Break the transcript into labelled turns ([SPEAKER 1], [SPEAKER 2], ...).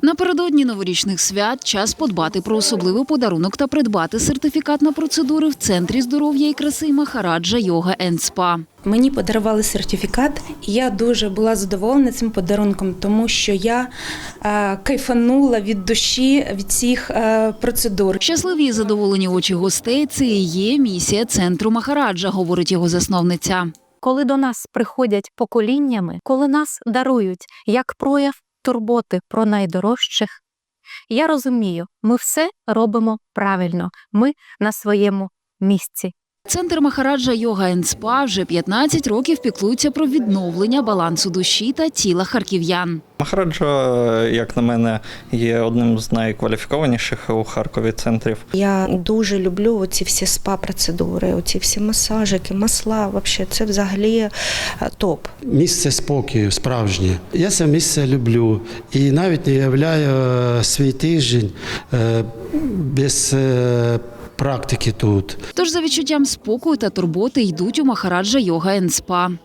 [SPEAKER 1] Напередодні новорічних свят час подбати про особливий подарунок та придбати сертифікат на процедури в Центрі здоров'я і краси Махараджа Йога енд Спа.
[SPEAKER 2] Мені подарували сертифікат, і я дуже була задоволена цим подарунком, тому що я кайфанула від душі від цих процедур.
[SPEAKER 1] Щасливі і задоволені очі гостей – це і є місія Центру Махараджа, говорить його засновниця.
[SPEAKER 3] Коли до нас приходять поколіннями, коли нас дарують як прояв турботи про найдорожчих, я розумію, ми все робимо правильно, ми на своєму місці.
[SPEAKER 1] Центр Махараджа Йога енд Спа вже 15 років піклується про відновлення балансу душі та тіла харків'ян.
[SPEAKER 4] Махараджа, як на мене, є одним з найкваліфікованіших у Харкові центрів.
[SPEAKER 2] Я дуже люблю оці всі спа-процедури, оці всі масажики, масла, це взагалі топ.
[SPEAKER 5] Місце спокою справжнє. Я це місце люблю і навіть не уявляю свій тиждень без практики тут.
[SPEAKER 1] Тож за відчуттям спокою та турботи йдуть у Махараджа Йога енд Спа.